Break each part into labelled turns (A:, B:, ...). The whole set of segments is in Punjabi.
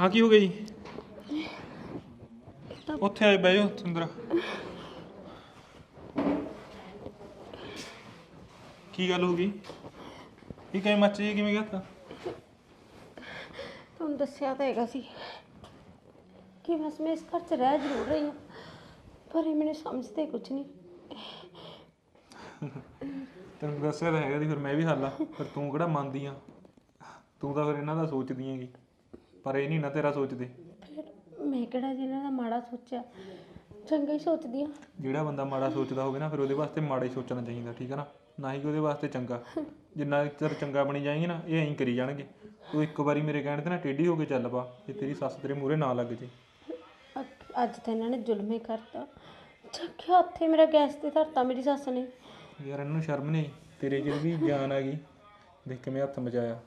A: हाँ की हो गई उत्थे आए बह जाओ सुंदरा की गल हो गई ये कहीं मच जी किवें कहता
B: ਤੁਹਾਨੂੰ ਦੱਸਿਆ ਤਾਂ ਹੈਗਾ ਸੀ ਕਿ ਬਸ ਮੈਂ ਇਸ ਘਰ 'ਚ ਰਹਿ ਜ਼ਰੂਰ ਰਹੀ ਹਾਂ ਪਰ ਇਹ ਮੈਨੂੰ ਸਮਝਦੇ ਕੁਝ ਨਹੀਂ
A: ਤੈਨੂੰ ਦੱਸਿਆ ਤਾਂ ਹੈਗਾ ਸੀ ਫਿਰ ਮੈਂ ਵੀ ਹੱਲ ਆ ਪਰ ਤੂੰ ਕਿਹੜਾ ਮੰਨਦੀ ਆ ਤੂੰ ਤਾਂ ਫਿਰ ਇਹਨਾਂ ਦਾ ਸੋਚਦੀ ਹੈਗੀ ਪਰ ਇਹ ਨਹੀਂ ਨਾ ਤੇਰਾ ਸੋਚਦੇ
B: ਫਿਰ ਮੈਂ ਕਿਹੜਾ ਜਿਹਨਾਂ ਦਾ ਮਾੜਾ ਸੋਚਿਆ ਚੰਗਾ ਹੀ ਸੋਚਦੀ ਹਾਂ
A: ਜਿਹੜਾ ਬੰਦਾ ਮਾੜਾ ਸੋਚਦਾ ਹੋਵੇ ਨਾ ਫਿਰ ਉਹਦੇ ਵਾਸਤੇ ਮਾੜਾ ਹੀ ਸੋਚਣਾ ਚਾਹੀਦਾ ਠੀਕ ਹੈ ਨਾ ਹੀ ਕਿ ਉਹਦੇ ਵਾਸਤੇ ਚੰਗਾ ਜਿੰਨਾ ਚਿਰ ਚੰਗਾ ਬਣੀ ਜਾਏਗੀ ਨਾ ਇਹ ਐਂ ਕਰੀ ਜਾਣਗੇ ਤੂੰ ਇੱਕ ਵਾਰੀ ਮੇਰੇ ਕਹਿਣ ਤੇ ਨਾ ਟੇਢੀ ਹੋ ਕੇ ਚੱਲ ਪਾ ਜੇ ਤੇਰੀ ਸੱਸ ਤੇਰੇ ਮੂਹਰੇ ਨਾ ਲੱਗ ਜੇ
B: ਅੱਜ ਤਾਂ ਇਹਨਾਂ ਨੇ ਜ਼ੁਲਮ ਹੀ ਕਰਤਾ ਚੱਕਿਆ ਉੱਥੇ ਮੇਰਾ ਗੈਸ ਤੇ ਧਰਤਾ ਮੇਰੀ ਸੱਸ ਨੇ
A: ਯਾਰ ਇਹਨੂੰ ਸ਼ਰਮ ਨਹੀਂ ਤੇਰੇ 'ਚ ਵੀ ਜਾਨ ਆ ਗਈ ਦੇਖ ਕਿਵੇਂ ਹੱਥ ਮਚਾਇਆ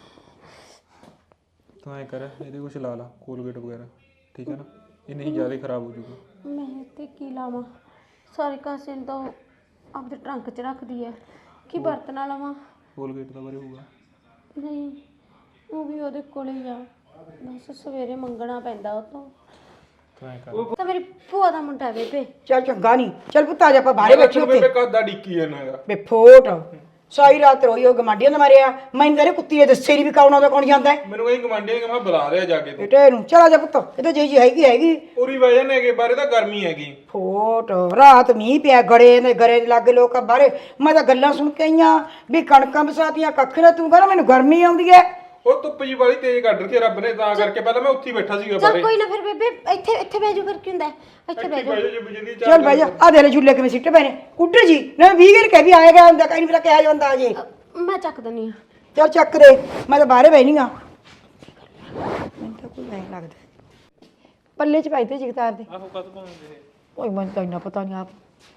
A: ਤੂੰ ਐਂ ਕਰ ਇਹਦੇ ਕੁਛ ਲਾ ਲਾ ਕੋਲਗੇਟ ਵਗੈਰਾ ਠੀਕ ਹੈ ਨਾ ਇਹ ਨਹੀਂ ਜ਼ਿਆਦਾ ਖਰਾਬ ਹੋ ਜੂਗਾ
B: ਮੈਂ ਤੇ ਕੀ ਲਾਵਾਂ ਸਾਰੇ ਕਾਸੇ ਨੂੰ ਤਾਂ ਉਹ ਆਪਦੇ ਟਰੰਕ 'ਚ ਰੱਖਦੀ ਹੈ ਕੀ ਵਰਤਣਾ ਲਵਾਂ
A: ਕੋਲਗੇਟ ਦਾ ਬਾਰੇ ਹੋਊਗਾ
B: ਨਹੀਂ ਉਹ ਵੀ ਉਹਦੇ ਕੋਲ ਹੀ ਆ ਬਸ ਸਵੇਰੇ ਮੰਗਣਾ ਪੈਂਦਾ ਉਹ ਤੋਂ
A: ਤੂੰ ਐਂ ਕਰ
B: ਤਾਂ ਮੇਰੀ ਭੂਆ ਦਾ ਮੁੰਡਾ ਬੇਬੇ
C: ਚੱਲ ਚੰਗਾ ਨਹੀਂ ਚੱਲ ਪੁੱਤ ਆ ਜਾ ਆਪਾਂ ਬਾਹਰੇ ਬੈਠੇ ਉੱਤੇ
A: ਬੇਬੇ ਕਦ ਦਾ ਡਿੱਕੀ ਜਾਂਦਾ ਹੈਗਾ
C: ਬੇ ਫੋਟ ਸਾਰੀ ਰਾਤ ਰੋਈ ਉਹ ਗਮਾਂਡੀਆਂ ਨੇ ਮਾਰਿਆ ਮੈਨੂੰ ਤਾਂ ਕੁੱਤੀ ਦੇ ਦੱਸੇ ਨਹੀਂ ਵੀ ਕੌਣ ਆਉਂਦਾ ਕੌਣ ਜਾਂਦਾ ਹੈ
A: ਮੈਨੂੰ ਇਹ ਗਵਾਂਢੀ ਮੈਂ ਬੁਲਾ ਰਿਹਾ ਜਾ ਕੇ ਤੂੰ
C: ਬੇਟੇ ਨੂੰ ਚਲ ਆ ਜਾ ਪੁੱਤ ਇਹ ਤਾਂ ਜੀ ਹੈਗੀ
A: ਪੂਰੀ ਵਜ੍ਹਾ ਨੇ ਕਿ ਬਾਰੇ ਤਾਂ ਗਰਮੀ ਹੈਗੀ
C: ਫੋਟ ਰਾਤ ਮੀਂਹ ਪਿਆ ਗੜੇ ਦੇ ਲਾਗੇ ਲੋਕ ਬਾਹਰੇ ਮੈਂ ਤਾਂ ਗੱਲਾਂ ਸੁਣ ਕੇ ਆਈਆਂ ਵੀ ਕਣਕਾਂ ਬਸਾਤੀਆਂ ਕੱਖ ਨਾ ਤੂੰ ਕਹਿੰਦਾ ਮੈਨੂੰ ਗਰਮੀ ਆਉਂਦੀ ਹੈ
A: ਉਹ ਧੁੱਪ ਜੀ ਵਾਲੀ ਤੇਜ਼ ਕੱਢ ਰੱਖੀ ਰੱਬ ਨੇ ਤਾਂ ਕਰਕੇ ਪਹਿਲਾਂ ਮੈਂ ਉੱਥੇ ਹੀ ਬੈਠਾ ਸੀਗਾ
B: ਚੱਲ ਕੋਈ ਨਾ ਫਿਰ ਬੇਬੇ ਇੱਥੇ ਬਹਿ ਜਾ ਫਿਰ ਕੀ ਹੁੰਦਾ ਇੱਥੇ ਬਹਿ ਜਾ
C: ਚੱਲ ਭਾਈ ਆ ਦੇ ਲੈ ਝੁੱਲੇ ਕਿਵੇਂ ਸਿੱਟ ਪਏ ਨੇ ਕੁੱਟਰ ਜੀ ਨਾ 20 ਗਿਰ ਕੇ ਵੀ ਆਏਗਾ ਹੁੰਦਾ ਕहीं ਮੇਰਾ ਕਿਹਾ ਜਾਂਦਾ ਅਜੇ
B: ਮੈਂ ਚੱਕ ਦਨੀ ਆ
C: ਚੱਲ ਚੱਕ ਦੇ ਮੈਂ ਤਾਂ ਬਾਹਰੇ ਬੈਣੀ ਆ ਮੈਨੂੰ ਤਾਂ ਕੋਈ ਨਹੀਂ ਲੱਗਦਾ ਪੱਲੇ ਚ ਪਾਈ ਤੇ ਜਗਤਾਰ ਦੇ
A: ਆਹੋ ਕਦ ਪਾਉਂਦੇ
C: ਓਏ ਮੈਨੂੰ ਤਾਂ ਇੰਨਾ ਪਤਾ ਨਹੀਂ ਆਪ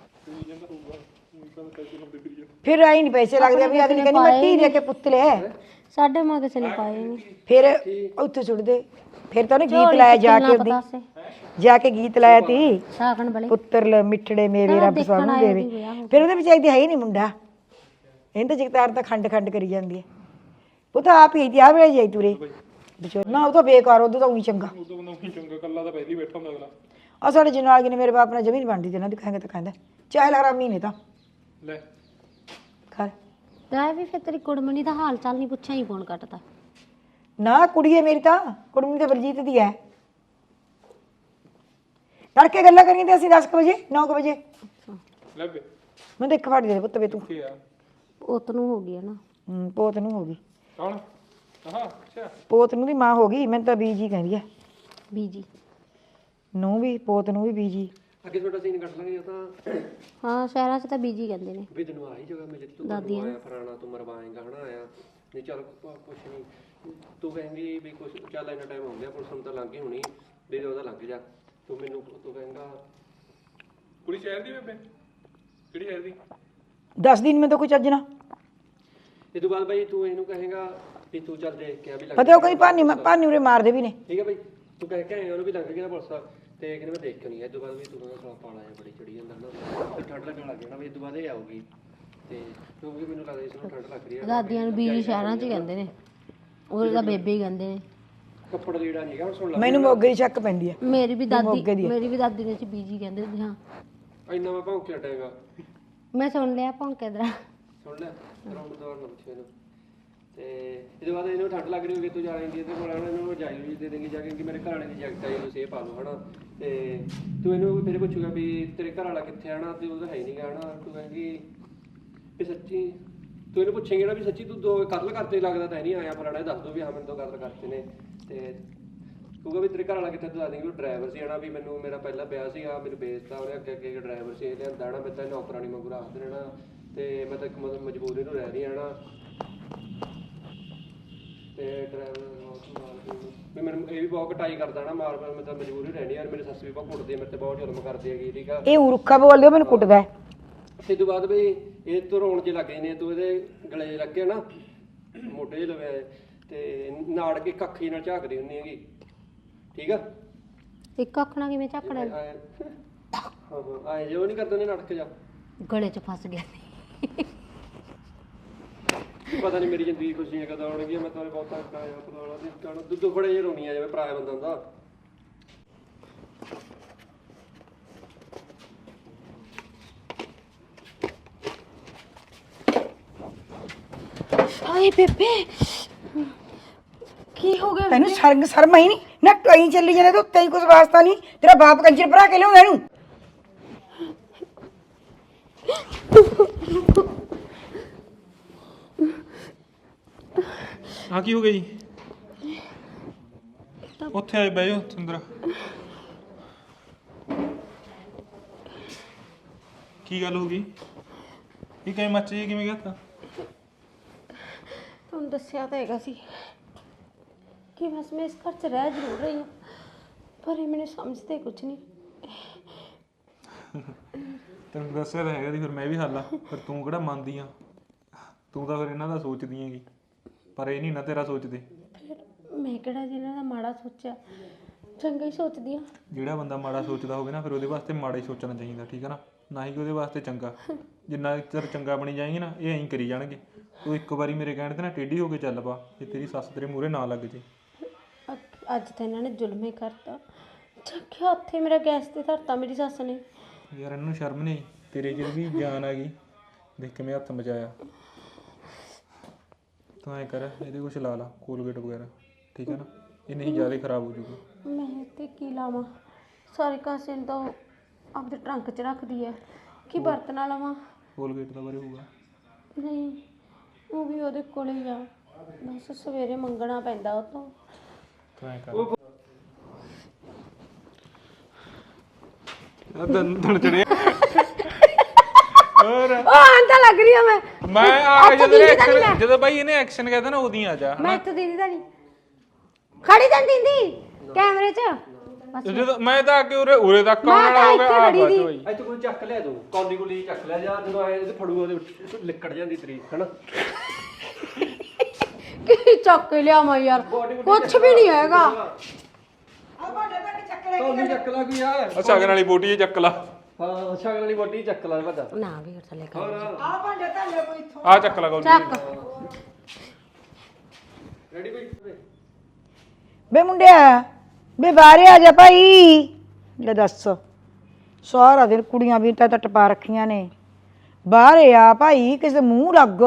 C: ਫਿਰ ਆਈ ਨਹੀਂ ਪੈਸੇ ਲੱਗਦੇ ਵੀ ਅਗਲੀ ਕਹਿੰਦੀ ਮੈਂ ਧੀ ਦੇ ਕੇ ਪੁੱਤਲੇ
B: ਸਾਡੇ ਮਾਂ ਕਿਸੇ ਨੇ ਪਾਏ ਨਹੀਂ
C: ਫਿਰ ਉੱਥੇ ਸੁੱਟ ਦੇ ਫਿਰ ਤਾਂ ਉਹਨੇ ਗੀਤ ਲਾਇਆ ਜਾ ਕੇ ਉਹਦੀ ਜਾ ਕੇ ਗੀਤ ਲਾਇਆ ਤੀ
B: ਸਾਗਣ ਵਾਲੇ
C: ਪੁੱਤਰ ਲ ਮਿੱਠੜੇ ਮੇਰੇ ਰੱਬ ਸਾਨੂੰ ਦੇਵੇ ਫਿਰ ਉਹਦੇ ਵਿੱਚ ਆਈ ਹੈ ਹੀ ਨਹੀਂ ਮੁੰਡਾ ਇਹਨਾਂ ਤਾਂ ਜਗਤਾਰ ਤਾਂ ਖੰਡ ਕਰੀ ਜਾਂਦੀ ਹੈ ਉਹ ਤਾਂ ਆਪ ਹੀ ਆ ਵੇਲੇ ਜਾਈ ਤੁਰੇ ਨਾ ਉਹ ਤਾਂ ਬੇਕਾਰ ਉਦੋਂ ਤਾਂ ਉਹੀ ਚੰਗਾ
A: ਚੰਗਾ ਕੱਲਾ ਤਾਂ ਪਹਿਲੀ ਬੈਠਾ ਹੁੰਦਾ ਅਗਲਾ
C: ਆ ਸਾਡੇ ਜਨਾਲ ਨੇ ਮੇਰੇ ਬਾਪ ਨਾਲ ਜ਼ਮੀਨ ਵੰਡੀ ਤੇ ਨਾ ਦਿਖਾਏਗਾ ਤਾਂ ਕਹਿੰਦਾ ਚਾਹੇ ਲਗਰਾ ਮਹੀਨੇ ਤਾਂ
A: ਲੈ
C: ਕਰ
B: ਲੈ ਵੀ ਫਿਰ ਤੇਰੀ ਕੁੜਮਣੀ ਦਾ ਹਾਲ ਚਾਲ ਨਹੀਂ ਪੁੱਛਿਆ ਹੀ ਫੋਨ ਕੱਟਦਾ
C: ਨਾ ਕੁੜੀਏ ਮੇਰੀ ਤਾਂ ਕੁੜਮਣੀ ਤਾਂ ਬਲਜੀਤ ਦੀ ਹੈ ਤੜਕੇ ਗੱਲਾਂ ਕਰੀਆਂ ਤੇ ਅਸੀਂ 10 ਵਜੇ 9 ਵਜੇ
A: ਲੈ ਬੇ
C: ਮੈਂ ਤਾਂ ਇੱਕ ਫੜ ਦੇ ਪੁੱਤ ਵੇ ਤੂੰ
A: ਕੀ ਆ
B: ਪੁੱਤ ਨੂੰ ਹੋ ਗਈ ਹੈ ਨਾ
C: ਪੋਤ ਨੂੰ ਹੋ ਗਈ
A: ਕੌਣ ਆਹਾ ਅੱਛਾ
C: ਪੋਤ ਨੂੰ ਦੀ ਮਾਂ ਹੋ ਗਈ ਮੈਨੂੰ ਤਾਂ ਬੀਜੀ ਕਹਿੰਦੀ ਹੈ
B: ਬੀਜੀ
C: ਨੂੰ ਵੀ ਪੋਤ ਨੂੰ ਵੀ ਬੀਜੀ
D: ਅੱਗੇ ਤੁਹਾਡਾ ਸੀਨ ਕੱਟ ਲਾਂਗੇ ਜਾਂ ਤਾਂ
B: ਹਾਂ ਸ਼ਹਿਰਾਂ 'ਚ ਤਾਂ ਬੀਜੀ ਕਹਿੰਦੇ ਨੇ
D: ਵੀ ਤੈਨੂੰ ਆਹੀ ਜਗ੍ਹਾ ਮਿਲੇ ਤੂੰ
B: ਦਾਦੀਆਂ
D: ਆਇਆ ਫਰਾਣਾ ਤੂੰ ਮਰਵਾਏਂਗਾ ਹਨਾ ਆਇਆ ਨਹੀਂ ਚੱਲ ਕੁਛ ਨਹੀਂ ਤੂੰ ਕਹੇਂਗੀ ਵੀ ਕੁਛ ਚੱਲ ਇੰਨਾ ਟਾਈਮ ਹੋ ਗਿਆ ਪੁਲਿਸ ਨੂੰ ਤਾਂ ਲੰਘ ਗਈ ਹੋਣੀ ਵੀ ਉਹਦਾ ਲੰਘ ਜਾ ਤੂੰ ਮੈਨੂੰ ਤੂੰ ਕਹੇਂਗਾ
A: ਕੁੜੀ ਸ਼ਹਿਰ ਦੀ ਬੇਬੇ ਕਿਹੜੀ ਸ਼ਹਿਰ ਦੀ
C: 10 ਦਿਨ ਮੈਂ ਤਾਂ ਕੋਈ ਚੱਜ ਨਾ
D: ਇਹ ਤੋਂ ਬਾਅਦ ਬਾਈ ਤੂੰ ਇਹਨੂੰ ਕਹੇਂਗਾ ਵੀ ਤੂੰ ਚੱਲ ਦੇਖ ਕੇ ਆ ਵੀ ਲੱਗ
C: ਪਤਾ ਉਹ ਕਈ ਭਾਨੀ ਉਰੇ ਮਾਰਦੇ ਵੀ ਨੇ
D: ਠੀਕ ਹੈ ਬਾਈ ਤੂੰ ਕਹਿ ਕੇ ਆਇਆ ਉਹਨੂੰ ਵੀ ਲੰਘ ਗਿਆ ਨਾ ਪੁਲਿਸ ਤੇ ਕਹਿੰਦੇ ਮੈਂ ਦੇਖ ਕੇ ਨਹੀਂ ਇਹ ਤੋਂ ਬਾਅਦ ਵੀ ਤੂੰ ਕਹਿੰਦਾ ਸਾਲਾ ਪਾਲਾ ਆ ਬੜੀ ਚੜੀ ਜਾਂਦਾ ਨਾ ਤੇ ਠੰਡ ਲੱਗਣ ਲੱਗ ਜਾਣਾ ਵੀ ਇਹ ਤੋਂ ਬਾਅਦ ਇਹ ਆਊਗੀ ਤੇ ਕਿਉਂਕਿ ਮੈਨੂੰ ਲੱਗਦਾ ਇਸ ਨੂੰ ਠੰਡ ਲੱਗ ਰਹੀ ਹੈ
B: ਦਾਦੀਆਂ ਨੂੰ ਬੀਜੀ ਸ਼ਹਿਰਾਂ 'ਚ ਕਹਿੰਦੇ ਨੇ ਉਹਦੇ ਤਾਂ ਬੇਬੇ ਹੀ ਕਹਿੰਦੇ ਨੇ
D: ਕੱਪੜਾ ਲੀੜਾ ਨਹੀਂ ਹੈਗਾ ਹੁਣ ਸੁਣ ਲੈ
C: ਮੈਨੂੰ ਮੋਗੇ ਦੀ ਸ਼ੱਕ ਪੈਂਦੀ ਹੈ
B: ਮੇਰੀ ਵੀ ਦਾਦੀ ਨੇ ਚ ਬੀਜੀ ਕਹਿੰਦੇ ਸੀ ਹਾਂ
D: ਇੰਨਾ ਮੈਂ ਭੌਂਕ ਹਟੇਗਾ
B: ਮੈਂ ਸੁਣ ਲਿਆ ਭੌਂਕੇ ਦਾ
D: ਸੁਣ ਲੈ ਰਾਉਂਡ ਦੌਰ ਨਾ ਪੁੱਛੇ ਇਹਨੂੰ ਤੇ ਇਹਦੇ ਬਾਅਦ ਇਹਨੂੰ ਠੰਡ ਲੱਗ ਰਹੀ ਹੋਵੇ ਤੂੰ ਜਾਏਂਗੀ ਇਹਦੇ ਕੋਲ ਆਣਾ ਇਹਨੂੰ ਰਜਾਈ ਵੀ ਦੇ ਦੇਂਗੀ ਜਾ ਕੇ ਕਿ ਮੇਰੇ ਘਰ ਵਾਲੇ ਦੀ ਜੈਕਟ ਆਈ ਤੁਸੀਂ ਇਹ ਪਾ ਲਓ ਹਨਾ ਤੇ ਤੂੰ ਇਹਨੂੰ ਫਿਰ ਪੁੱਛੂਗਾ ਵੀ ਤੇਰੇ ਘਰ ਵਾਲਾ ਕਿੱਥੇ ਆਣਾ ਤੇ ਉਹਦਾ ਹੈ ਨਹੀਂ ਗਾ ਹਨਾ ਤੂੰ ਕਹੇਂਗੀ ਵੀ ਸੱਚੀ ਤੂੰ ਇਹਨੂੰ ਪੁੱਛੇਂਗੀ ਨਾ ਵੀ ਸੱਚੀ ਤੂੰ ਦੋ ਕਤਲ ਕਰਤੇ ਲੱਗਦਾ ਤਾਂ ਨਹੀਂ ਆਇਆ ਫਲਾਣਾ ਦੱਸ ਦੋ ਵੀ ਹਾਂ ਮੈਨੂੰ ਦੋ ਕਤਲ ਕਰਤੇ ਨੇ ਤੇ ਕਹੂਗਾ ਵੀ ਤੇਰੇ ਘਰ ਵਾਲਾ ਕਿੱਥੇ ਤੂੰ ਦੱਸ ਦੇਂਗੀ ਉਹ ਡਰਾਈਵਰ ਸੀ ਹਨਾ ਵੀ ਮੈਨੂੰ ਮੇਰਾ ਪਹਿਲਾ ਵਿਆਹ ਸੀਗਾ ਮੈਨੂੰ ਵੇਚਤਾ ਉਹਨੇ ਅੱਗੇ ਡਰਾਈਵਰ ਸੀ ਇਹ ਲਿਆਂਦਾ ਹਨਾ ਮੈਂ ਤਾਂ ਨੌਕਰਾਨੀ ਵਾਂਗੂ ਰੱਖਦੇ ਰਹਿਣਾ ਤੇ ਮੈਂ ਤਾਂ ਇੱਕ ਮਜਬੂਰੀ ਨੂੰ ਰਹਿ ਰਹੀ ਹਨਾ ਤੇ ਡਰਾਈਵਰ ਵੀ ਮੈਨੂੰ ਇਹ ਵੀ ਬਹੁਤ ਕਟਾਈ ਕਰਦਾ ਨਾ ਮਾਰ ਮੈਂ ਤਾਂ ਮਜਬੂਰੀ ਰਹਿਣੀ ਯਾਰ ਮੇਰੀ ਸੱਸ ਵੀ ਬਹੁਤ ਕੁੱਟਦੀ ਹੈ ਮੇਰੇ ਤੇ ਬਹੁਤ ਜ਼ੁਲਮ ਕਰਦੀ ਹੈਗੀ ਠੀਕ ਆ
C: ਇਹ ਉਰਖਾ ਬੋਲਦੇ ਮੈਨੂੰ ਕੁੱਟਦਾ ਹੈ
D: ਤੇ ਤੋਂ ਬਾਅਦ ਵੀ ਇਹ ਤੋਂ ਰੋਣ ਜੇ ਲੱਗੇ ਨੇ ਤੂੰ ਇਹਦੇ ਗਲੇ ਲੱਗੇ ਨਾ ਮੋਢੇ 'ਚ ਲਵੇ ਤੇ ਨਾੜ ਕੇ ਕੱਖ ਜਿਹੀ ਨਾਲ ਝਾਕਦੀ ਹੁੰਦੀ ਹੈਗੀ ਠੀਕ ਆ
B: ਇੱਕ ਅੱਖ ਨਾਲ ਕਿਵੇਂ ਝਾਕਣਾ
D: ਹਾਂ ਆਏ ਜੇ ਉਹ ਨਹੀਂ ਕਰਦਾ ਨੇ ਨੜਕ ਜਾ
B: ਗਲੇ 'ਚ ਫਸ ਗਿਆ
D: ਪਤਾ ਨਹੀਂ ਮੇਰੀ ਜ਼ਿੰਦਗੀ ਖੁਸ਼ੀਆਂ ਕਦੋਂ ਆਉਣਗੀਆਂ। ਮੈਂ ਤਾਂ ਬਹੁਤ ਤੱਕ ਆਇਆ ਪਤਾ ਨਹੀਂ ਕਹਣਾ ਦੁੱਧ ਫੜੇ ਜੇ ਰੋਣੀ ਆ ਜਾਵੇ ਪਰਾਇਆ ਬੰਦਾ ਹੁੰਦਾ।
B: ਹਾਏ ਬੇਬੇ ਕੀ ਹੋ ਗਿਆ
C: ਤੈਨੂੰ ਸ਼ਰਮ ਹੀ ਨਹੀਂ ਨਾ ਕਹੀਂ ਚੱਲੀ ਜਾਂਦੇ ਤੂੰ ਤੈਨੂੰ ਕੁਝ ਵਾਸਤਾ ਨਹੀਂ ਤੇਰਾ ਬਾਪ ਕੰਜਰ ਭਰਾ ਕੇ ਲਿਆਉਂਦਾ ਇਹਨੂੰ
A: ਆ ਕੀ ਹੋ ਗਿਆ ਜੀ? ਉੱਥੇ ਆਏ ਬਹਿ ਜਾਓ ਸੁੰਦਰ। ਕੀ ਗੱਲ ਹੋ ਗਈ? ਇਹ ਕਿਵੇਂ ਮੱਚ ਜੀ ਕਿਵੇਂ ਗਿਆ ਤਾ?
B: ਤੁਹਾਨੂੰ ਦੱਸਿਆ ਤਾਂ ਹੈਗਾ ਸੀ ਕਿ ਬਸ ਮੈਂ ਇਸ ਘਰ 'ਚ ਰਹਿ ਜ਼ਰੂਰ ਰਹੀ ਹਾਂ, ਪਰ ਇਹ ਮੈਨੂੰ ਸਮਝਦੇ ਕੁਝ ਨਹੀਂ।
A: ਤੈਨੂੰ ਦੱਸਿਆ ਤਾਂ ਹੈਗਾ ਸੀ, ਫਿਰ ਮੈਂ ਵੀ ਹੱਲ ਆ, ਪਰ ਤੂੰ ਕਿਹੜਾ ਮੰਨਦੀ ਆ? ਤੂੰ ਤਾਂ ਫਿਰ ਇਹਨਾਂ ਦਾ ਸੋਚਦੀ ਹੈਗੀ, ਪਰ ਇਹ ਨਹੀਂ ਨਾ ਤੇਰਾ ਸੋਚਦੇ।
B: ਫਿਰ ਮੈਂ ਕਿਹੜਾ ਜਿਹਨਾਂ ਦਾ ਮਾੜਾ ਸੋਚਿਆ, ਚੰਗਾ ਹੀ ਸੋਚਦੀ ਹਾਂ।
A: ਜਿਹੜਾ ਬੰਦਾ ਮਾੜਾ ਸੋਚਦਾ ਹੋਵੇ ਨਾ, ਫਿਰ ਉਹਦੇ ਵਾਸਤੇ ਮਾੜਾ ਹੀ ਸੋਚਣਾ ਚਾਹੀਦਾ, ਠੀਕ ਹੈ ਨਾ? ਨਾ ਹੀ ਉਹਦੇ ਵਾਸਤੇ ਚੰਗਾ। ਜਿੰਨਾ ਚਿਰ ਚੰਗਾ ਬਣੀ ਜਾਏਗੀ ਨਾ, ਇਹ ਐਂ ਕਰੀ ਜਾਣਗੇ। ਤੂੰ ਇੱਕ ਵਾਰੀ ਮੇਰੇ ਕਹਿਣ ਤੇ ਨਾ ਟੇਢੀ ਹੋ ਕੇ ਚੱਲ ਪਾ, ਤੇ ਤੇਰੀ ਸੱਸ ਤੇਰੇ ਮੂਹਰੇ ਨਾ ਲੱਗ ਜੇ।
B: ਅੱਜ ਤਾਂ ਇਹਨਾਂ ਨੇ ਜ਼ੁਲਮ ਹੀ ਕਰਤਾ, ਚੱਕਿਆ ਉੱਥੇ ਮੇਰਾ ਗੈਸ ਤੇ ਧਰਤਾ ਮੇਰੀ ਸੱਸ ਨੇ।
A: ਯਾਰ ਇਹਨੂੰ ਸ਼ਰਮ ਨਹੀਂ? ਤੇਰੇ 'ਚ ਵੀ ਜਾਨ ਆ ਗਈ, ਦੇਖ ਕਿਵੇਂ ਹੱਥ ਮਚਾਇਆ। ਤੂੰ ਐਂ ਕਰ, ਇਹਦੇ ਕੁਛ ਲਾ ਲਾ ਕੋਲਗੇਟ ਵਗੈਰਾ, ਠੀਕ ਹੈ ਨਾ? ਇਹ ਨਹੀਂ ਜ਼ਿਆਦਾ ਖਰਾਬ ਹੋ ਜੂਗੀ।
B: ਮੈਂ ਤੇ ਕੀ ਲਾਵਾਂ, ਸਾਰੇ ਕਾਸੇ ਨੂੰ ਤਾਂ ਉਹ ਆਪਦੇ ਟਰੰਕ 'ਚ ਰੱਖਦੀ ਹੈ, ਕੀ ਬਰਤਨ ਨਾਲ ਲਵਾਂ?
A: ਕੋਲਗੇਟ ਦਾ ਬਾਰੇ ਹੋਊਗਾ?
B: ਨਹੀਂ, ਉਹ ਵੀ ਉਹਦੇ ਕੋਲ ਹੀ ਆ, ਬਸ ਸਵੇਰੇ ਮੰਗਣਾ ਪੈਂਦਾ ਉਹ ਤੋਂ।
A: ਤੂੰ ਐਂ ਕਰ ਦੰਦਣ ਚੜਿਆ ਹੋਰ
B: ਉਹ ਆਂਦਾ ਲੱਗ ਰਹੀ ਆ
A: ਮੈਂ ਆ ਜਦੋਂ ਬਾਈ ਇਹਨੇ ਐਕਸ਼ਨ ਕਹਿੰਦਾ ਨਾ ਉਦੋਂ ਆ ਜਾ।
B: ਮੈਂ ਤਾਂ ਦੀਦੀ ਦਾ ਨਹੀਂ ਖੜੀ ਤਾਂ ਦੀਦੀ ਕੈਮਰੇ 'ਚ
A: ਜਦੋਂ ਮੈਂ ਤਾਂ ਆ ਕੇ ਉਰੇ ਤੱਕ ਆਉਣ ਵਾਲਾ ਹੋ ਗਿਆ। ਆ ਬਸ ਬਾਈ
D: ਇੱਥੇ ਕੋਈ ਚੱਕ ਲਿਆ ਤੂੰ, ਕੌਲੀ ਕੁਲੀ ਚੱਕ ਲਿਆ ਜਾਂ ਜਦੋਂ ਆਏ ਤੇ ਫੜੂਗਾ ਉਹਦੇ ਲਿਕੜ ਜਾਂਦੀ ਤਰੀਕ ਹਨਾ।
B: ਕੀ ਚੱਕ ਕੇ ਲਿਆਵਾਂ ਯਾਰ, ਕੁਛ ਵੀ ਨਹੀਂ ਹੈਗਾ।
D: ਕੌਲੀ ਚੱਕ ਲਾ ਕੋਈ ਯਾਰ,
A: ਅੱਛਾ ਅਗਰ ਵਾਲੀ ਬੋਟੀ ਚੱਕ ਲਾ।
D: ਹਾਂ ਸ਼ਗਨ ਵਾਲੀ ਬੋਟੀ ਚੱਕ ਲਾ ਵੱਡਾ।
B: ਨਾ ਵੀ ਹੋਰ ਥੱਲੇ ਕਰ
A: ਆ ਚੱਕ ਲਾ ਗੋਲੀ।
B: ਚੱਕ
D: ਰੈਡੀ ਕੋਈ
C: ਬੇ ਮੁੰਡਿਆ ਬੇ ਬਾਹਰੇ ਆ ਜਾ ਭਾਈ। ਲੈ ਦੱਸ ਸਾਰਾ ਦਿਨ ਕੁੜੀਆਂ ਵੀ ਤਾਂ ਟਪਾ ਰੱਖੀਆਂ ਨੇ, ਬਾਹਰੇ ਆ ਭਾਈ, ਕਿਸੇ ਦੇ ਮੂੰਹ ਲੱਗ।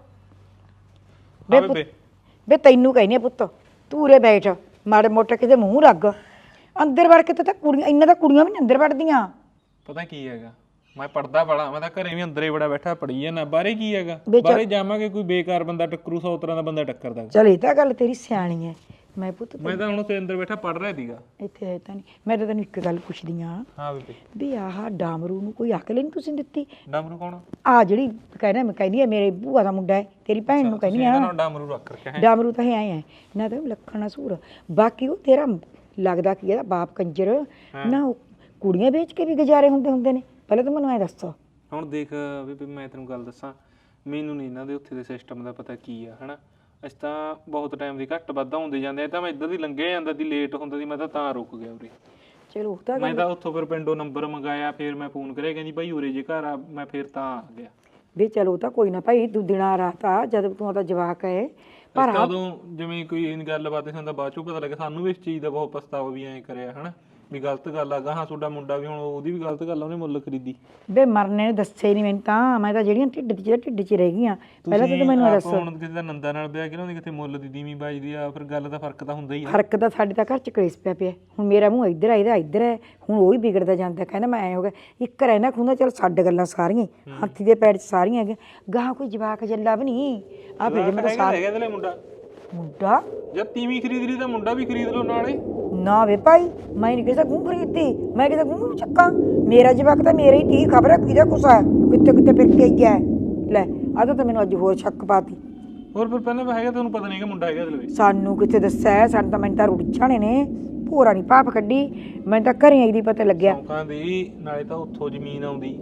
C: ਬੇ ਤੈਨੂੰ ਕਹਿੰਦੀ ਆ ਪੁੱਤ, ਤੂੰ ਉਰੇ ਬੈਠ, ਮਾੜੇ ਮੋਟੇ ਕਿਸੇ ਦੇ ਮੂੰਹ ਲੱਗ। ਅੰਦਰ ਵੜ ਕੇ ਤਾਂ ਕੁੜੀਆਂ, ਇੰਨਾ ਤਾਂ ਕੁੜੀਆਂ ਵੀ ਨਹੀਂ ਅੰਦਰ ਵੜਦੀਆਂ।
A: ਪਤਾ ਕੀ ਹੈਗਾ, ਮੈਂ ਪੜਦਾ ਬੜਾ, ਮੈਂ ਤਾਂ ਘਰੇ ਵੀ ਅੰਦਰੇ ਬੜਾ ਬੈਠਾ ਪੜੀ ਜਾਂਦਾ। ਬਾਹਰੇ ਕੀ ਹੈਗਾ, ਬਾਹਰੇ ਜਾਵਾਂਗੇ ਕੋਈ ਬੇਕਾਰ ਬੰਦਾ ਟੱਕਰੂ, 100 ਤਰ੍ਹਾਂ ਦਾ ਬੰਦਾ ਟੱਕਰਦਾ।
C: ਚਲ ਇਹ ਤਾਂ ਗੱਲ ਤੇਰੀ ਸਿਆਣੀ ਹੈ। ਮੈਂ ਪੁੱਤ
A: ਮੈਂ ਤਾਂ ਹੁਣ ਉੱਥੇ ਅੰਦਰ ਬੈਠਾ ਪੜ ਰਿਹਾ ਸੀਗਾ।
C: ਇੱਥੇ ਹੈ ਤਾਂ ਨਹੀਂ, ਮੈਂ ਤਾਂ ਤੈਨੂੰ ਇੱਕ ਗੱਲ ਪੁੱਛਦੀ ਆ
A: ਹਾਂ ਬੇਬੇ।
C: ਵੀ ਆਹ ਡਾਮਰੂ ਨੂੰ ਕੋਈ ਅਕਲ ਨਹੀਂ ਤੁਸੀਂ ਦਿੱਤੀ?
A: ਡਾਮਰੂ ਕੌਣ?
C: ਆ ਜਿਹੜੀ ਮੈਂ ਕਹਿੰਦੀ ਆ ਮੇਰੇ ਭੂਆ ਦਾ ਮੁੰਡਾ ਹੈ, ਤੇਰੀ ਭੈਣ ਨੂੰ ਕਹਿੰਦੀ ਆ।
A: ਡਾਮਰੂ ਰੱਖ ਰੱਖਿਆ ਹੈ।
C: ਡਾਮਰੂ ਤਾਂ ਆਏ ਹੈ ਨਾ, ਤਾਂ ਲੱਖਣਾ ਸੂਰ। ਬਾਕੀ ਉਹ ਤੇਰਾ ਲੱਗਦਾ ਕੀ ਇਹਦਾ ਬਾਪ ਕੰਜਰ ਨਾ, ਉਹ ਕੁੜੀਆਂ ਵੇਚ ਕੇ ਵੀ ਗੁਜ਼ਾਰੇ ਹੁੰਦੇ ਨੇ। ਪਹਿਲਾਂ ਤਾਂ ਮੈਨੂੰ ਐ ਦੱਸ।
A: ਹੁਣ ਦੇਖ ਬੇਬੇ, ਮੈਂ ਤੈਨੂੰ ਗੱਲ ਦੱਸਾਂ, ਮੈਨੂੰ ਨਹੀਂ ਇਹਨਾਂ ਦੇ ਉੱਥੇ ਦੇ ਸਿਸਟਮ ਦਾ ਪਤਾ ਕੀ ਆ, ਹਨਾ? ਅਸੀਂ ਤਾਂ ਬਹੁਤ ਟਾਈਮ ਦੀ ਘੱਟ ਵੱਧ ਹੁੰਦੇ ਜਾਂਦੇ ਆ, ਤਾਂ ਮੈਂ ਇੱਧਰ ਦੀ ਲੰਘਿਆ ਜਾਂਦਾ ਦੀ, ਲੇਟ ਹੁੰਦਾ ਸੀ, ਮੈਂ ਤਾਂ ਰੁਕ ਗਿਆ ਉਰੇ।
C: ਚਲੋ ਤਾਂ
A: ਮੈਂ ਤਾਂ ਉੱਥੋਂ ਫਿਰ ਪਿੰਡੋਂ ਨੰਬਰ ਮੰਗਾਇਆ, ਫਿਰ ਮੈਂ ਫੋਨ ਕਰਿਆ, ਕਹਿੰਦੀ ਭਾਈ ਉਰੇ ਜੇ ਘਰ ਆ, ਮੈਂ ਫਿਰ ਤਾਂ ਆ ਗਿਆ।
C: ਵੀ ਚਲੋ ਤਾਂ ਕੋਈ ਨਾ ਭਾਈ, ਤੂੰ ਦਿਨਾਂ ਰਾਤ ਆ, ਜਦ ਤੂੰ ਉਹਦਾ ਜਵਾਕ ਹੈ। ਪਰ
A: ਉਦੋਂ ਜਿਵੇਂ ਕੋਈ ਗੱਲਬਾਤ ਹੁੰਦਾ, ਬਾਅਦ ਚੋਂ ਪਤਾ ਲੱਗਾ ਸਾਨੂੰ ਵੀ ਇਸ ਚੀਜ਼ ਦਾ ਬਹੁਤ ਪਛਤਾਵਾ ਵੀ ਐਂ ਕਰਿਆ, ਹਨਾ? ਵੀ ਗਲਤ ਗੱਲ ਆ, ਗਾਹਾਂ ਤੁਹਾਡਾ ਮੁੰਡਾ ਵੀ ਹੁਣ ਉਹਦੀ ਵੀ ਗਲਤ ਗੱਲ ਆ, ਉਹਨੇ ਮੁੱਲ ਖਰੀਦੀ।
C: ਬੇ ਮਰਨੇ ਨੇ ਦੱਸੇ ਨਹੀਂ ਮੈਨੂੰ ਤਾਂ, ਮੈਂ ਤਾਂ ਜਿਹੜੀਆਂ ਢਿੱਡ 'ਚ ਰਹਿ ਗਈਆਂ। ਪਹਿਲਾਂ ਤਾਂ ਮੈਨੂੰ ਦੱਸ।
A: ਹੁਣ ਕਿਸੇ ਦਾ ਨੰਦਾ ਨਾਲ ਵਿਆਹ ਕੇ ਨਾ, ਕਿਤੇ ਮੁੱਲ ਦੀ ਦੀਵੀਂ ਬਾਜਦੀ ਆ, ਫਿਰ ਗੱਲ ਦਾ ਫਰਕ ਤਾਂ ਹੁੰਦਾ ਹੀ ਆ।
C: ਫਰਕ ਤਾਂ ਸਾਡੇ ਤਾਂ ਘਰ 'ਚ ਕਲੇਸ਼ ਪਿਆ। ਹੁਣ ਮੇਰਾ ਮੂੰਹ ਇੱਧਰ ਆ, ਇਹਦਾ ਇੱਧਰ ਹੈ। ਹੁਣ ਉਹ ਹੀ ਵਿਗੜਦਾ ਜਾਂਦਾ, ਕਹਿੰਦਾ ਮੈਂ ਐਂ ਹੋ ਗਿਆ। ਇੱਕ ਰਹਿਣਾ ਖੁੰਦਾ, ਚੱਲ ਛੱਡ ਗੱਲਾਂ ਸਾਰੀਆਂ, ਹਾਥੀ ਦੇ ਪੈਰ 'ਚ ਸਾਰੀਆਂ ਹੈਗੀਆਂ। ਗਾਹਾਂ ਕੋਈ ਜਵਾਕ ਜੱਲਾ ਵੀ ਨਹੀਂ। ਆ ਫਿਰ ਮੈਂ ਤਾਂ
A: ਹੈਗਾ
C: ਮੁੰਡਾ
A: ਜਦ ਤੀਵੀਂ ਖਰੀਦ ਲਈ ਤਾਂ ਮੁੰਡਾ ਵੀ ਖਰੀਦ ਲਓ ਨਾਲੇ।
C: ਨਾ ਵੇ ਭਾਈ, ਮੈਂ ਨਹੀਂ ਕਿਸੇ ਗੂੰ ਖਰੀਦਦੀ, ਮੈਂ ਕਿਸੇ ਗੂੰ ਚੱਕਾਂ। ਮੇਰਾ ਜਵਾਕ ਤਾਂ ਮੇਰੇ ਹੀ ਤੀ, ਖਬਰ ਹੈ ਕਿਹਦਾ ਕੁਛ ਹੈ, ਕਿੱਥੇ ਫਿਰ ਕੇ ਗਿਆ। ਲੈ ਆ ਤਾਂ ਮੈਨੂੰ ਅੱਜ ਹੋਰ ਸ਼ੱਕ ਪਾਤੀ।
A: ਹੋਰ ਫਿਰ ਪਹਿਲਾਂ ਹੈਗਾ, ਤੁਹਾਨੂੰ ਪਤਾ ਨਹੀਂ ਕਿ ਮੁੰਡਾ ਹੈਗਾ ਇਹਦੇ ਵਿੱਚ?
C: ਸਾਨੂੰ ਕਿੱਥੇ ਦੱਸਿਆ, ਸਾਨੂੰ ਤਾਂ ਮੈਨੂੰ ਤਾਂ ਰੁੜ ਜਾਣੇ ਨੇ, ਭੋਰਾ ਨਹੀਂ ਪਾਪ ਕੱਢੀ। ਮੈਨੂੰ ਤਾਂ ਘਰੇ ਆਈ ਦੀ ਪਤਾ ਲੱਗਿਆ।
A: ਲੋਕਾਂ ਦੀ ਨਾਲੇ ਤਾਂ ਉੱਥੋਂ ਜ਼ਮੀਨ ਆਉਂਦੀ,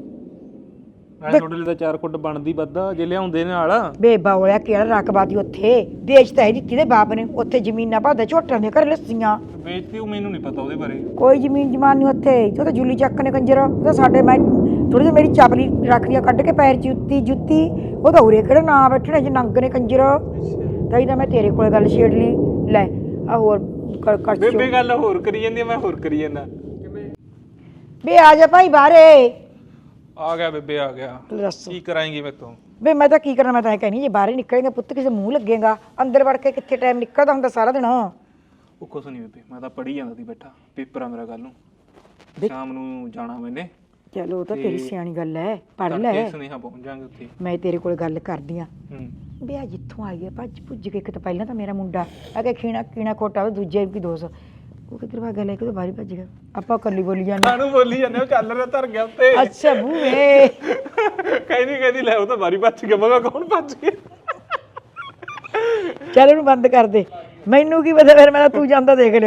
A: ਨਾਲੇ ਤੁਹਾਡੇ ਲਈ ਤਾਂ 4 ਫੁੱਟ ਬਣਦੀ ਵੱਧਾ ਜੇ ਲਿਆਉਂਦੇ ਨਾਲ।
C: ਬੇਬਾ ਹੋਇਆ ਕਿਹੜਾ ਰਕਬਾਦੀ ਉੱਥੇ ਵੇਚਤਾ ਹੈ ਦਿੱਤੀ ਦੇ ਬਾਪ ਨੇ। ਉੱਥੇ ਜ਼ਮੀਨਾਂ ਭਾਦਾ ਝੋਟਾਂ ਦੇ ਘਰ ਲੱਸੀਆਂ
A: ਵੇਚਦੀ, ਉਹ ਮੈਨੂੰ ਨਹੀਂ ਪਤਾ ਉਹਦੇ ਬਾਰੇ।
C: ਕੋਈ ਜ਼ਮੀਨ ਜਮਾਨ ਨਹੀਂ ਉੱਥੇ। ਉਹ ਤਾਂ ਜੁਲੀ ਚੱਕ ਨੇ ਕੰਜਰ, ਉਹ ਤਾਂ ਸਾਡੇ ਮੈਂ ਥੋੜੀ ਜਿਹੀ ਮੇਰੀ ਚਾਪਲੀ ਰੱਖ ਲਿਆ ਕੱਢ ਕੇ ਪੈਰ 'ਚ ਜੁੱਤੀ ਉਹ ਤਾਂ ਉਰੇ ਕਿਹੜਾ ਨਾ ਬੈਠਣੇ ਜੇ ਨੰਗ ਨੇ ਕੰਜਰ ਤਾਂ ਹੀ ਤਾਂ ਮੈਂ ਤੇਰੇ ਕੋਲ ਗੱਲ ਛੇੜ ਲਈ ਲੈ ਆ ਹੋਰ ਕਰ
A: ਬੇਬੇ ਗੱਲ ਹੋਰ ਕਰੀ ਜਾਂਦੀ ਆ, ਮੈਂ ਹੋਰ ਕਰੀ ਜਾਂਦਾ।
C: ਵੇ ਆ ਜਾ ਭਾਈ ਬਾਹਰੇ
A: ਆ ਗਿਆ ਬੇਬੇ ਆ ਗਿਆ।
C: ਦੱਸ
A: ਕੀ ਕਰਾਏਂਗੀ ਮੇਰੇ ਤੋਂ?
C: ਵੇ ਮੈਂ ਤਾਂ ਕੀ ਕਰਨਾ, ਮੈਂ ਤਾਂ ਇਹ ਕਹਿਣੀ ਜੇ ਬਾਹਰ ਹੀ ਨਿਕਲੇਗਾ ਪੁੱਤ ਕਿਸੇ ਮੂੰਹ ਲੱਗੇਗਾ, ਅੰਦਰ ਵੜ ਕੇ ਕਿੱਥੇ ਟਾਈਮ ਨਿਕਲਦਾ ਹੁੰਦਾ ਸਾਰਾ ਦਿਨ।
A: ਉਹ ਕੁਛ ਨਹੀਂ ਬੇਬੇ, ਮੈਂ ਤਾਂ ਪੜ੍ਹੀ ਜਾਂਦਾ ਸੀ ਬੈਠਾ, ਪੇਪਰ ਆ ਮੇਰਾ ਕੱਲ ਨੂੰ, ਸ਼ਾਮ ਨੂੰ ਜਾਣਾ ਮੈਨੇ।
C: ਚਲੋ ਉਹ ਤਾਂ ਤੇਰੀ ਸਿਆਣੀ ਗੱਲ ਹੈ, ਪੜ੍ਹ ਲੈ,
A: ਸੁਨੇਹਾ ਪਹੁੰਚ ਜਾਾਂਗੇ ਉੱਥੇ।
C: ਮੈਂ ਤੇਰੇ ਕੋਲ ਗੱਲ ਕਰਦੀ ਆ।
A: ਹੂੰ
C: ਵੀ ਆ ਜਿੱਥੋਂ ਆਈ ਹੈ ਭੱਜ ਭੁੱਜ ਕੇ, ਇੱਕ ਤਾਂ ਪਹਿਲਾਂ ਤਾਂ ਮੇਰਾ ਮੁੰਡਾ ਆ ਕੇ ਕੀਣਾ ਖੋਟਾ, ਦੂਜੇ ਵੀ ਦੋਸਤ ਉਹ ਕਿੱਧਰ ਭਾਗਾ ਲੈ ਕੇ ਬਾਹਰ ਭੱਜ ਗਿਆ। ਆਪਾਂ ਕੱਲੀ ਬੋਲੀ ਜਾਂਦੇ,
A: ਸਾਨੂੰ ਬੋਲੀ ਜਾਂਦੇ, ਉਹ ਚੱਲ ਰਿਹਾ ਧਰ ਗਿਆ ਉੱਤੇ।
C: ਅੱਛਾ ਬੂਏ
A: ਕਹਿੰਦੀ ਲੈ ਉਹ ਤਾਂ ਬਾਰੀ ਭੱਜ ਗਿਆ। ਮੈਂ ਕਿਹਾ ਕੌਣ ਭੱਜ ਗਿਆ?
C: ਚੱਲ ਉਹਨੂੰ ਬੰਦ ਕਰ ਦੇ, ਮੈਨੂੰ ਕੀ ਪਤਾ, ਫਿਰ ਮੈਂ ਤਾਂ ਤੂੰ ਜਾਂਦਾ ਦੇਖ ਲਿਆ।